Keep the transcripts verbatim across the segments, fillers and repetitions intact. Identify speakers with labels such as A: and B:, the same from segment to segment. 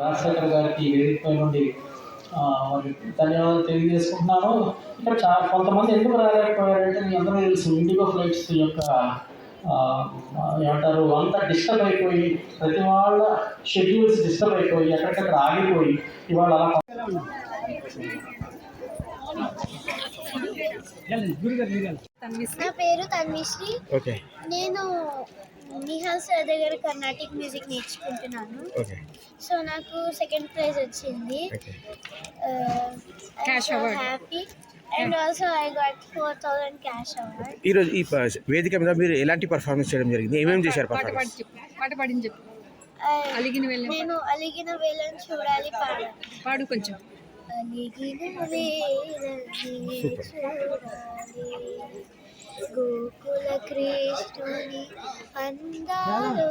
A: రాజశేఖర్ గారికి వేదికపై నుండి మరి ధన్యవాదాలు తెలియజేసుకుంటున్నాను. ఇక్కడ చాలా కొంతమంది ఎందుకు రాలేకపోయారంటే మీ అందరూ తెలుసు ఇండిగో ఫ్లైట్స్ యొక్క ఏమంటారు అంతా డిస్టర్బ్ అయిపోయి ప్రతి వాళ్ళ షెడ్యూల్స్ డిస్టర్బ్ అయిపోయి ఎక్కడికక్కడ ఆగిపోయి ఇవాళ అలా
B: నా పేరు తన్విశ్రీ. నేను నిహాల్ సార్ దగ్గర కర్ణాటిక్ మ్యూజిక్ నేర్చుకుంటున్నాను. సో నాకు సెకండ్ ప్రైజ్ వచ్చింది. Happy and also I got four thousand cash award.
C: ఈ రోజు ఈ వేదిక మీద మీరు ఎలాంటి పర్ఫార్మెన్స్ చేయడం జరిగింది? ఏమేమి చేశారు?
B: నేను అలిగిన వేళను చూడాలి పాడు
D: పాడు కొంచెం
B: అలిగిన వేళని చూడాలి గోకుల కృష్ణుని అందాలు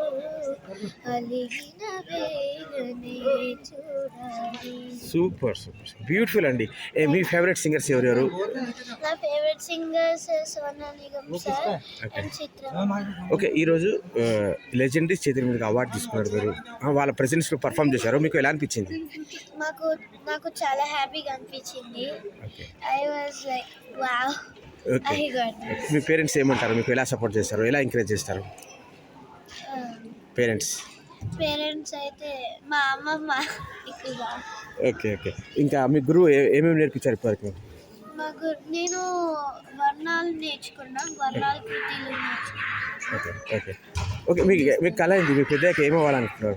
B: అలిగిన వేళనే చూడాలి.
C: సూపర్ సూపర్ బ్యూటిఫుల్ అండి. మీ ఫేవరెట్ సింగర్స్ ఎవరెవరు?
B: నా favourite singers Sonu Nigam sir and Chithra.
C: Okay, ఈరోజు లెజెండరీ చేతుల మీదకి అవార్డు తీసుకున్నారు మీరు. వాళ్ళ ప్రెజెన్స్లో పర్ఫామ్ చేశారు, మీకు ఎలా అనిపించింది?
B: మాకు నాకు చాలా హ్యాపీగా అనిపించింది. I was like wow.
C: Okay, మీ పేరెంట్స్ ఏమంటారు? మీకు ఎలా సపోర్ట్ చేస్తారు, ఎలా ఎంకరేజ్ చేస్తారు? పేరెంట్స్
B: పేరెంట్స్ అయితే మా అమ్మమ్మ ఎక్కువగా.
C: ఓకే ఓకే ఇంకా మీ గురువు ఏమేమి నేర్పించారు ఇప్పటివరకు?
B: మా గురు నేను వర్ణాలు నేర్చుకున్నా, వర్ణాలు కృతిలు నేర్చుకున్నాను.
C: ఓకే ఓకే ఓకే మీకు మీకు కళ ఏంటి? మీ పెద్దయ్యాక ఏమవ్వాలనుకుంటున్నారు?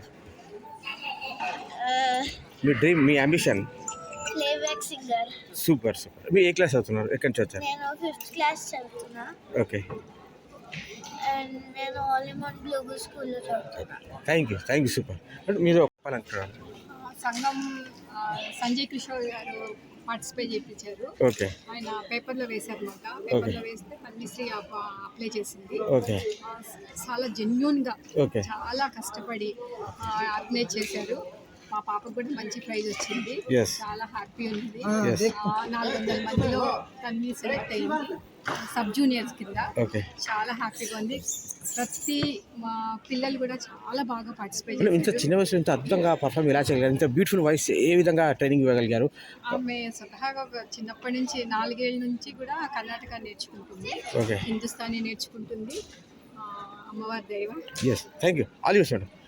C: మీ డ్రీమ్, మీ ambition?
B: Playback singer.
C: Super super. మీరు ఏ క్లాస్ చదువుతున్నారు? ఎక్కడి నుంచి వచ్చారు?
B: నేను ఫిఫ్త్ క్లాస్ చదువుతున్నా.
C: ఓకే,
B: అండ్ నేను ఆలిమాన్ గ్లోబల్ స్కూల్లో చదువుతున్నా.
C: Thank you thank you super. మీరు చెప్పాలంటున్నారు?
D: సంఘం సంజయ్ కిషోర్ గారు పార్టిసిపేట్ చేయించారు.
C: ఓకే,
D: ఆయన పేపర్లో వేశారు అనమాట. పేపర్లో వేస్తే తన్విశ్రీ అప్లై చేసింది.
C: ఓకే,
D: చాలా జెన్యూన్గా
C: ఓకే
D: చాలా కష్టపడి ఆర్గనైజ్ చేశారు. మా పాపకు కూడా మంచి ప్రైజ్ వచ్చింది. చాలా హ్యాపీ ఉంది. నాలుగు వందల మందిలో తన్వి సెలెక్ట్ అయ్యింది సబ్ జూనియర్స్ కింద. చాలా హ్యాపీగా ఉంది. ప్రతి మా పిల్లలు కూడా చాలా బాగా పార్టిసిపేట్ చేశారు.
C: ఇంత చిన్న వయసు ఇంత అద్భుతంగా పర్ఫామ్ ఎలా చేయగలిగారు? ఇంత బ్యూటిఫుల్ వాయిస్ ఏ విధంగా ట్రైనింగ్ ఇవ్వగలిగారు?
D: ఆమె స్వతహాగా చిన్నప్పటి నుంచి నాలుగేళ్ళ నుంచి కూడా కర్ణాటక నేర్చుకుంటుంది, హిందుస్థానీ నేర్చుకుంటుంది. అమ్మవారి దైవం.
C: Yes, thank you. ఆల్ యూస్ మేడం.